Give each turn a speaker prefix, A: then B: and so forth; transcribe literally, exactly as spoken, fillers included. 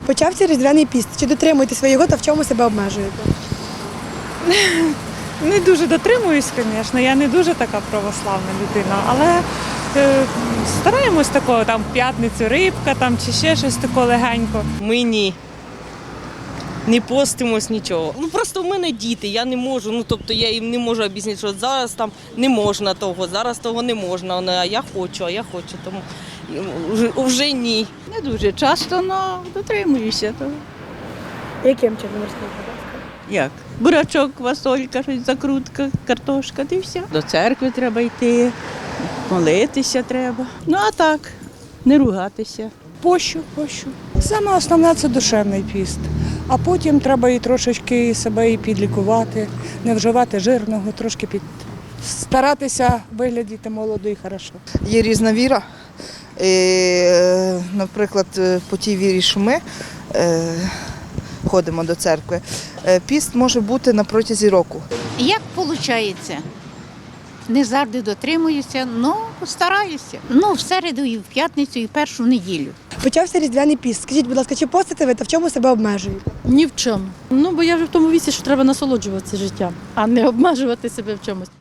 A: Почався Різдвяний піст. Чи дотримуєтеся ви його та в чому себе обмежуєте?
B: Не дуже дотримуюсь, звісно, я не дуже така православна людина, але е, стараємось такого, там в п'ятницю рибка там, чи ще щось таке легенько.
C: Ми ні. Не постимось нічого. Ну просто в мене діти, я не можу. Ну тобто я їм не можу об'яснити, що зараз там не можна того, зараз того не можна. А я хочу, а я хочу, тому вже, вже ні.
D: Не дуже часто, але дотримуюся того.
A: Яким чином розкажете, будь ласка?
D: Як? Бурачок, квасолька, щось закрутка, картошка, та й все. До церкви треба йти, молитися треба. Ну а так, не ругатися.
E: Пощу, пощу. Саме основне – це душевний піст. А потім треба і трошечки себе і підлікувати, не вживати жирного, трошки під... старатися виглядати молодо і хорошо.
F: Є різна віра. І, наприклад, по тій вірі, що ми е, ходимо до церкви, піст може бути на протязі року.
G: Як виходить? Не завжди дотримуюся, але стараюся. Ну, в середу, і в п'ятницю, і в першу неділю.
A: Почався Різдвяний піст. Скажіть, будь ласка, чи постите ви та в чому себе обмежуєте?
H: Ні в чому. Ну, бо я вже в тому віці, що треба насолоджуватися життям, а не обмежувати себе в чомусь.